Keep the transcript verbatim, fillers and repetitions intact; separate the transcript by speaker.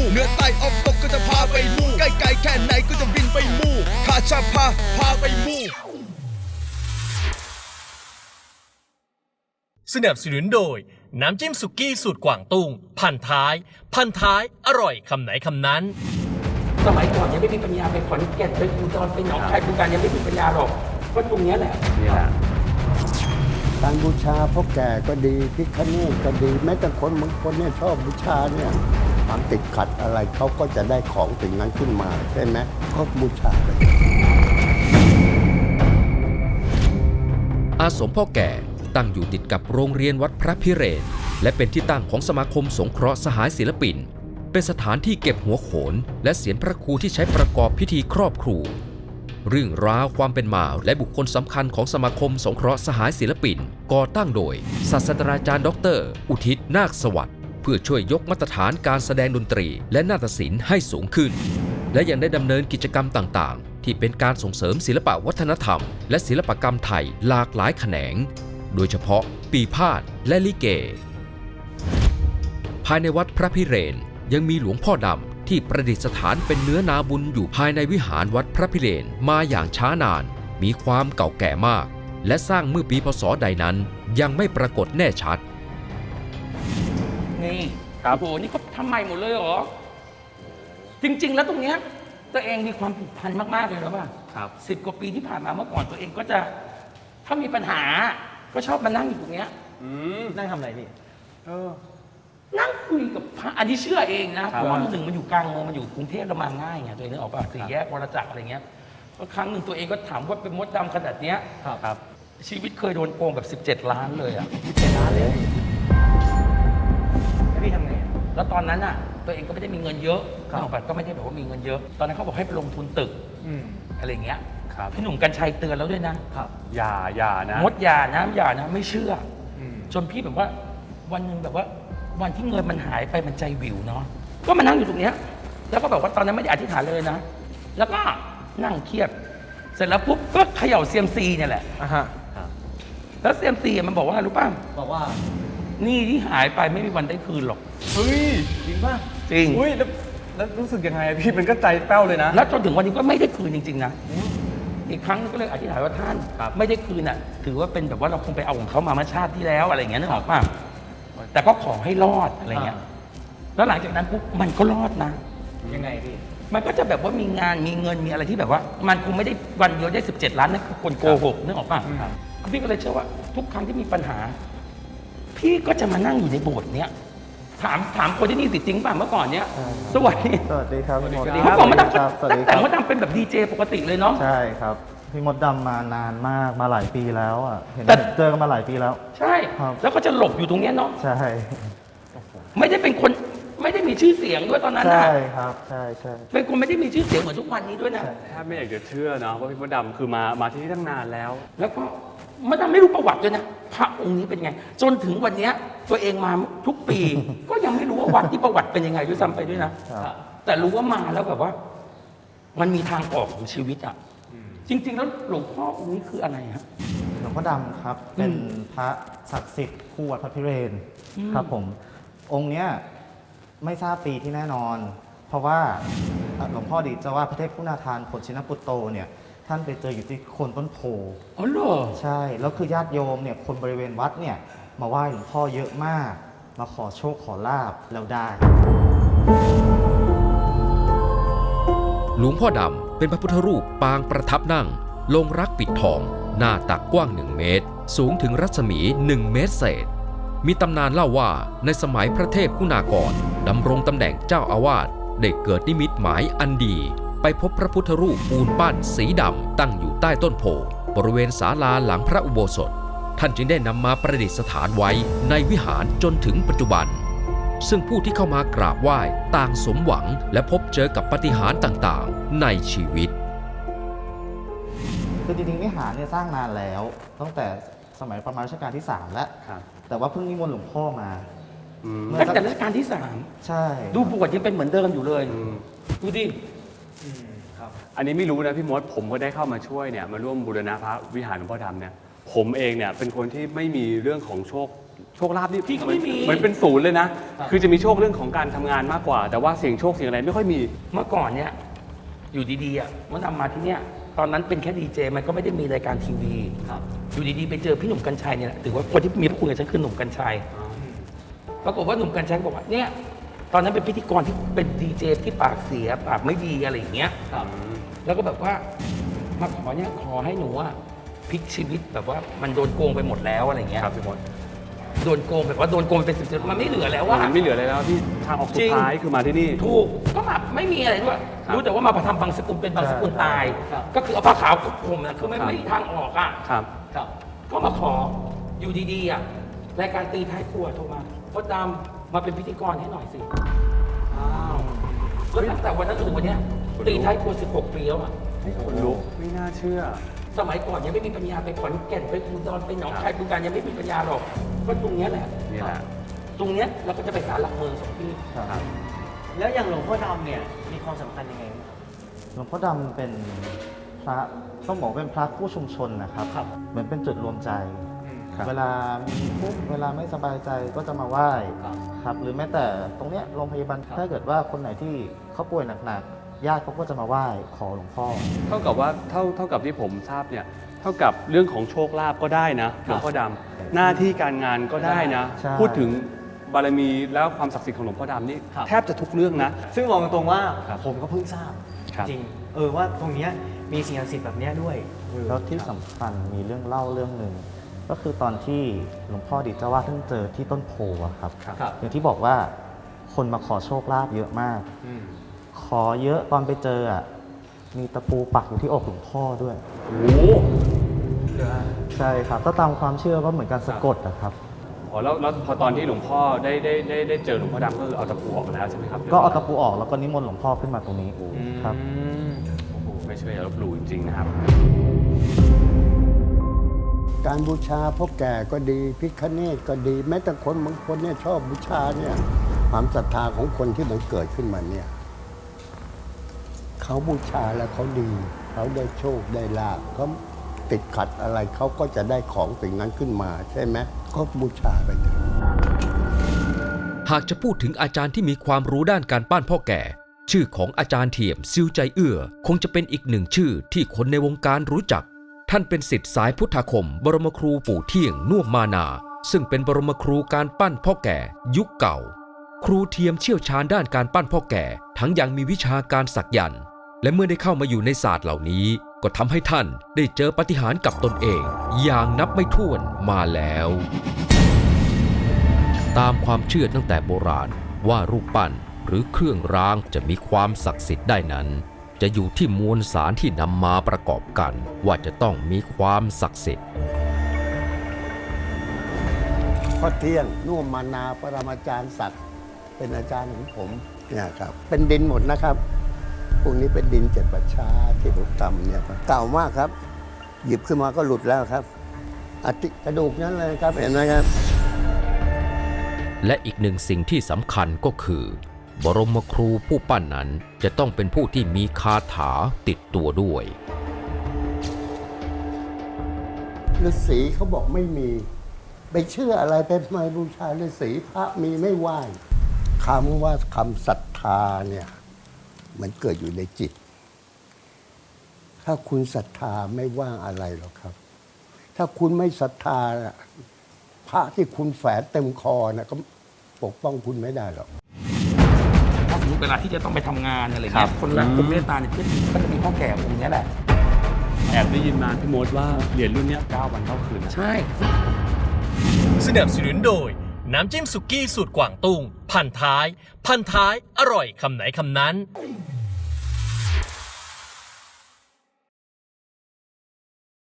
Speaker 1: เหนือใต้ออกตกก็จะพาไปมู่ใกล้ไกลแค่ไหนก็จะบินไปมู่ข้าจะพาพาไปมู่
Speaker 2: สนับสนุนโดยน้ำจิ้มสุกี้สูตรกวางตุ้งพันท้ายพันท้ายอร่อยคำไหนคำนั้น
Speaker 3: สมัยก่อนยังไม่มีปัญญาไปขอนแก่นไปอุดรไปหนองคายบึงกาฬยังไม่มีปัญญาหรอกก็ตรงนี้แหละ
Speaker 4: นี่แหละ
Speaker 5: การบูชาพ่อแก่ก็ดีพิฆเนศก็ดีแม้แต่คนบางคนเนี่ยชอบบูชาเนี่ยความติดขัดอะไรเขาก็จะได้ของสิ่งนั้นขึ้นมาใช่ไหมก็บูชาไป
Speaker 6: อาสมพ่อแก่ตั้งอยู่ติดกับโรงเรียนวัดพระพิเรนและเป็นที่ตั้งของสมาคมสงเคราะห์สหายศิลปินเป็นสถานที่เก็บหัวโขนและเสียนพระครูที่ใช้ประกอบพิธีครอบครูเรื่องราวความเป็นมาและบุคคลสำคัญของสมาคมสงเคราะห์สหายศิลปินก่อตั้งโดยศาสตราจารย์ดรอุทิศนาคสวัสดิ์เพื่อช่วยยกมาตรฐานการแสดงดนตรีและนาฏศิลป์ให้สูงขึ้นและยังได้ดำเนินกิจกรรมต่างๆที่เป็นการส่งเสริมศิลปวัฒนธรรมและศิลปกรรมไทยหลากหลายแขนงโดยเฉพาะปีพาทย์และลิเกภายในวัดพระพิเรนยังมีหลวงพ่อดำที่ประดิษฐานเป็นเนื้อนาบุญอยู่ภายในวิหารวัดพระพิเรนมาอย่างช้านานมีความเก่าแก่มากและสร้างเมื่อปีพ.ศ.ใดนั้นยังไม่ปรากฏแน่ชัด
Speaker 3: นี่ครับโอ้โหนี่เขาทำใหม่หมดเลยเหรอจริงๆแล้วตรงเนี้ยตัวเองมีความผูกพันมากๆเลยนะป่ะ
Speaker 4: ครับ
Speaker 3: สิบกว่าปีที่ผ่านมาเมื่อก่อนตัวเองก็จะถ้ามีปัญหาก็ชอบมานั่งอยู่ตรงเนี้ย
Speaker 4: นั่งทำอะไรพี่เออ
Speaker 3: นั่งคุยกับพระอันนี้เชื่อเองนะเพราะว่าหนึ่งมันอยู่กลางเมืองมันอยู่กรุงเทพแล้วมาง่ายไงตัวเองนึกออกป่ะสี่แยกวรจักรอะไรเงี้ยก็ครั้งหนึ่งตัวเองก็ถามว่าเป็นมดดำขนาดเนี้ย
Speaker 4: ครับ
Speaker 3: ชีวิตเคยโดนโกงแบบสิบเจ็ดล้านเลยอ่ะสิบเจ็ดล้านเลย
Speaker 4: แล้วพี่ทำไง
Speaker 3: แล้วตอนนั้นอ่ะตัวเองก็ไม่ได้มีเงินเยอะนึกออกป่ะก็ไม่ได้แบบว่ามีเงินเยอะตอนนั้นเขาบอกให้ไปลงทุนตึกอะไรเงี้ยพี่หนุ่มกัญชัยเตือนแล้วด้วยนะครับ
Speaker 4: อย่าอย่านะ
Speaker 3: มดอย่านะอย่านะไม่เชื่อจนพี่แบบว่าวันหนึ่งแบบว่าวันที่เงินมันหายไปมันใจวิวเนาะก็มานั่งอยู่ตรงเนี้ยแล้วก็แบบว่าตอนนั้นไม่ได้อธิษฐานเลยนะแล้วก็นั่งเครียดเสร็จแล้วปุ๊บก็เขย่าเซียมซีเนี่ยแหละ
Speaker 4: อ่ะฮะ
Speaker 3: แล้วเซียมซีมันบอกว่ารู้ป่ะ
Speaker 4: บอกว่า
Speaker 3: นี่ที่หายไปไม่มีวันได้คืนหรอก
Speaker 4: เฮ้ยจริงป่ะ
Speaker 3: จริง
Speaker 4: อุ้ยแล้วแล้วรู้สึกยังไงพี่มันก็ใจแป้วเลยนะ
Speaker 3: แล้วจนถึงวันนี้ก็ไม่ได้คืนจริงๆนะอีกครั้งก็เลยอธิษฐานว่าท่านไม่ได้คืนอ่ะถือว่าเป็นแบบว่าเราคงไปเอาของเขามาเมื่อชาติที่แล้วอะไรอย่างเงี้ยนึกออกป่ะแต่ก็ขอให้รอดอะไรเงี้ยแล้วหลังจากนั้นปุ๊บมันก็รอดนะ
Speaker 4: ยังไงพี่
Speaker 3: มันก็จะแบบว่ามีงานมีเงินมีอะไรที่แบบว่ามันคงไม่ได้วันเดียวได้สิบเจ็ดล้านนั่นคือคนโกหกนึกออกป่ะพี่ก็เลยเชื่อว่าทุกครั้งที่มีปัญหาพี่ก็จะมานั่งอยู่ในโบสถ์เนี้ยถามถามคนที่นี่สิจริงป่ะเมื่อก่อนเนี้ยสวัสดี
Speaker 5: สวัสดีครับพี่มด
Speaker 3: เมื่อก่อนมดดำตั้งแต่มดดำเป็นแบบดีเจปกติเลยเนาะ
Speaker 5: ใช่ครับพี่มดดำมานานมากมาหลายปีแล้วอ่ะเห็นเจอกันมาหลายปีแล้ว
Speaker 3: ใช่แล้วก็จะหลบอยู่ตรงเนี้ยเนาะ
Speaker 5: ใช่
Speaker 3: ไม่ได้เป็นคนไม่ได้มีชื่อเสียงด้วยตอนนั้นนะ
Speaker 5: ใช่ครับใช่ใช่
Speaker 3: เป็นคนไม่ได้มีชื่อเสียงเหมือนทุกวันนี้ด้วยนะ
Speaker 4: ถ้าไม่อยากจะเชื่อเนาะว่าพี่มดดำคือมามาที่นี่ตั้งนานแล้ว
Speaker 3: แล้วก็มดดำไม่รู้ประวัติด้วยนะพระองค์นี้เป็นไงจนถึงวันนี้ตัวเองมาทุกปีก็ยังไม่รู้ว่าวัดที่ประวัติเป็นยังไงด้วยซ้ำไปด้วยนะแต่รู้ว่ามาแล้วแบบว่ามันมีทางออกของชีวิตอ่ะจริงๆแล้วหลวงพ่อองค์นี้คืออะไรครับ
Speaker 5: หลวงพ่อดำครับเป็นพระศักดิ์สิทธิ์คู่วัดพระพิเรนครับผมองค์เนี้ยไม่ทราบปีที่แน่นอนเพราะว่าหลวงพ่อดีเจ้าว่าพระเทพคุณาทานผลชินปุตโตเนี่ยท่านไปเจออยู่ที่โคนต้นโพ
Speaker 3: อ๋อเหรอ
Speaker 5: ใช่แล้วคือญาติโยมเนี่ยคนบริเวณวัดเนี่ยมาไหว้หลวงพ่อเยอะมากมาขอโชคขอลาภแล้วได้
Speaker 6: หลวงพ่อดำเป็นพระพุทธรูปปางประทับนั่งลงรักปิดทองหน้าตักกว้างหนึ่งเมตรสูงถึงรัศมีหนึ่งเมตรเศษมีตำนานเล่าว่าในสมัยพระเทพคุณากรดำรงตำแหน่งเจ้าอาวาสได้เกิดนิมิตหมายอันดีไปพบพระพุทธรูปปูนปั้นสีดำตั้งอยู่ใต้ต้นโพบริเวณศาลาหลังพระอุโบสถท่านจึงได้นำมาประดิษฐานไว้ในวิหารจนถึงปัจจุบันซึ่งผู้ที่เข้ามากราบไหว้ต่างสมหวังและพบเจอกับปาฏิหาริย์ต่างๆในชีวิต
Speaker 5: คือจริงๆวิหารเนี่ยสร้างนานแล้วตั้งแต่สมัยประมาณรัชกาลที่สามแล้วแต่ว่าเพิ่งนิมนต์หลวงพ่อมา
Speaker 3: ตั้งแต่รัชกาลที่สาม
Speaker 5: ใช่
Speaker 3: ดูบวชยังเป็นเหมือนเดิมอยู่เลยดูดิ
Speaker 4: อันนี้ไม่รู้นะพี่มดผมก็ได้เข้ามาช่วยเนี่ยมาร่วมบูรณะพระวิหารหลวงพ่อดำเนี่ยผมเองเนี่ยเป็นคนที่ไม่มีเรื่องของโชคโชคลาภนี่
Speaker 3: พี่ก็ไม่มี
Speaker 4: เหมือนเป็นศูนย์เลยนะ คือจะมีโชคเรื่องของการทำงานมากกว่า แต่ว่าเสียงโชคเสียงอะไรไม่ค่อยมี
Speaker 3: เมื่อก่อนเนี่ยอยู่ดีๆอ่ะมันทำมาที่เนี่ยตอนนั้นเป็นแค่ดีเจมันก็ไม่ได้มีรายการทีวีอยู่ดีๆไปเจอพี่หนุ่มกัญชัยเนี่ยถือว่าคนที่มีพระคุณกับฉันคือหนุ่มกัญชัยปรากฏว่าหนุ่มกัญชัยบอกว่าเนี่ยตอนนั้นเป็นพิธีกรที่เป็นดีเจที่ปากเสียปากไม่ดีอะไรอย่างเงี้ยแล้วก็แบบว่ามาขอเนี่ยขอให้หนูอะพลิกชีวิตแบบว่ามันโดนโกงไปหมดแล้วอะไรเงี้ย
Speaker 4: ครับพี่มด
Speaker 3: โดนโกงแบบว่าโดนโกงไปเป็นสิบสิบมันไม่เหลือแล้วว่า
Speaker 4: มันไม่เหลืออะไรแล้วที่ทางออกสุดท้ายคือมาที่นี่
Speaker 3: ถูกก็แบบไม่มีอะไรด้วย
Speaker 4: ครับ
Speaker 3: รู้แต่ว่ามาประทำบางสกุลเป็นบางสกุลตาย
Speaker 4: ครับ
Speaker 3: ก็คือเอาผ้าขาวกับผมนะคือไม่
Speaker 4: ครับ
Speaker 3: ไม่มีทางออกอ่ะ
Speaker 4: ครับ
Speaker 3: ก็มาขออยู่ดีๆอ่ะรายการตีท้ายครัวโทรมาพดดำมาเป็นพิธีกรให้หน่อยสิอ้าวแล้วตั้งแต่วันนั้นจนถึงวันเนี้ยตีท้ายครัวสิบหกปีแล้วอ่ะ
Speaker 4: คนลุกไม่น่าเชื่อ
Speaker 3: สมัยก่อนยังไม่มีปัญญาไปขอนแก่นไปอุดรไปหนองคายบึงกาฬยังไม่มีปัญญาหรอกก็ตรงเนี้ยแหละ
Speaker 4: นี่แหละ
Speaker 3: ตรงเนี้ยเราก็จะไปศาลหลักเมืองสองที่
Speaker 5: ครับ
Speaker 7: แล้วอย่างหลวงพ่อดำเนี่ยมีความสำคัญยังไงบ้างครับ
Speaker 5: หลวงพ่อดำเป็นพระต้องบอกเป็นพระผู้ชุมชนนะครับ
Speaker 7: ครับ
Speaker 5: เหมือนเป็นจุดรวมใจ
Speaker 4: ครับ
Speaker 5: เวลามีทุกข์เวลาไม่สบายใจก็จะมาไหว้
Speaker 7: ครับ
Speaker 5: ครับ หรือแม้แต่ตรงเนี้ยโรงพยาบาลถ้าเกิดว่าคนไหนที่เขาป่วยหนักๆญาติเขาก็จะมาไหว้ขอหลวงพ่อ
Speaker 4: เท่ากับว่าเท่าเท่ากับที่ผมทราบเนี่ย เท่ากับเรื่องของโชคลาภก็ได้นะหลวงพ่อดำหน้าที่การงานก็ได้นะ
Speaker 5: ใช่
Speaker 4: พูดถึงบารมีแล้วความศักดิ์สิทธิ์ของหลวงพ่อดำนี่
Speaker 7: ครับ
Speaker 4: แทบจะทุกเรื่องนะ
Speaker 7: ซึ่งบอกตรงๆว่า
Speaker 4: ครับ
Speaker 7: ผมก็เพิ่งทราบ
Speaker 4: ครับ
Speaker 7: จริงเออว่าตรงเนี้ยมีสิ่งศักดิ์สิทธิ์แบบเนี้ยด้วยเออ
Speaker 5: แล้วที่สำคัญมีเรื่องเล่าเรื่องหนึ่งก็คือตอนที่หลวงพ่อดิเจ้าวาดท่านเจอที่ต้นโพอะครับ
Speaker 7: ครับ
Speaker 5: อย่างที่บอกว่าคนมาขอโชคลาภเยอะมาก
Speaker 4: อืม
Speaker 5: ขอเยอะตอนไปเจออ่ะมีตะปูปักอยู่ที่อกหลวงพ่อด้วย
Speaker 4: โอ้โห
Speaker 5: ใช่ครับถ้าตามความเชื่อก็เหมือนการสะกดนะครับ
Speaker 4: อ๋อแล้วแล้วพอตอนที่หลวงพ่อได้ได้ได้ได้เจอหลวงพ่อดำก็คือเอาตะปูออกแล้วใช่ไหมครับ
Speaker 5: ก็เอาตะปูออกแล้วก็นิมนต์หลวงพ่อขึ้นมาตรงนี้
Speaker 4: อืม
Speaker 5: ครับ
Speaker 4: โอ้โหไม่เชื่ออย่าลบหลู่จริงๆนะครับ
Speaker 8: การบูชาพ่อแก่ก็ดีพิฆเนศก็ดี แม้แต่คนบางคนเนี่ยชอบบูชาเนี่ยความศรัทธาของคนที่มันเกิดขึ้นมาเนี่ยเขาบูชาแล้วเขาดี เขาได้โชคได้ลาภเขาติดขัดอะไรเขาก็จะได้ของสิ่งนั้นขึ้นมาใช่ไหมก็บูชาไปเถอะ
Speaker 6: หากจะพูดถึงอาจารย์ที่มีความรู้ด้านการปั้นพ่อแก่ ชื่อของอาจารย์เทียมซิวใจเอื้อคงจะเป็นอีกหนึ่งชื่อที่คนในวงการรู้จัก ท่านเป็นศิษย์สายพุทธาคม บรมครูปู่เที่ยงน่วมมานา ซึ่งเป็นบรมครูการปั้นพ่อแก่ยุคเก่า ครูเทียมเชี่ยวชาญด้านการปั้นพ่อแก่ ทั้งยังมีวิชาการสักยันต์และเมื่อได้เข้ามาอยู่ในศาสตร์เหล่านี้ ก็ทำให้ท่านได้เจอปาฏิหาริย์กับตนเอง อย่างนับไม่ถ้วนมาแล้ว ตามความเชื่อตั้งแต่โบราณว่ารูปปั้นหรือเครื่องรางจะมีความศักดิ์สิทธิ์ได้นั้น จะอยู่ที่มวลสารที่นำมาประกอบกันว่าจะต้องมีความศักดิ์สิทธิ์
Speaker 8: พ่อเที่ยงน่วมมานาปรมาจารย์ศักดิ์เป็นอาจารย์ของผมเนี่ยครับเป็นดินหมดนะครับพวกนี้เป็นดินเจ็ดประชาที่ผมทำเนี่ยครับเก่ามากครับ หยิบขึ้นมาก็หลุดแล้วครับอาทิกระดูกนั้นเลยครับเห็นไหมครับ
Speaker 6: และอีกหนึ่งสิ่งที่สำคัญก็คือ บรมครูผู้ปั้นนั้นจะต้องเป็นผู้ที่มีคาถาติดตัวด้วย
Speaker 8: ฤาษีเขาบอกไม่มี ไปเชื่ออะไรไปทำไมบูชาฤาษีพระมีไม่ไหว้คำว่าคำศรัทธาเนี่ยมันเกิดอยู่ในจิต ถ้าคุณศรัทธาไม่ว่างอะไรหรอกครับ ถ้าคุณไม่ศรัทธาน่ะพระที่คุณแฝงเต็มคอนะก็ปกป้องคุณไม่ได้หรอก
Speaker 3: ถ้าสมมติเวลาที่จะต้องไปทำงานอะไร
Speaker 4: ครั
Speaker 3: เงี้
Speaker 4: บ
Speaker 3: ยคนรักคนเมตตาเนี่ยก็จะมีพ่อแก่องค์เนี้ยแหละ
Speaker 4: แอบได้ยินมาพี่มดว่าเหรียญรุ่นเนี้ยเก้าวันเก้าคืนนะ
Speaker 3: ใช่
Speaker 2: สนับสนุนโดย น้ำจิ้มสุกี้สูตรกวางตุ้ง พันท้าย พันท้าย อร่อยคำไหนคำนั้น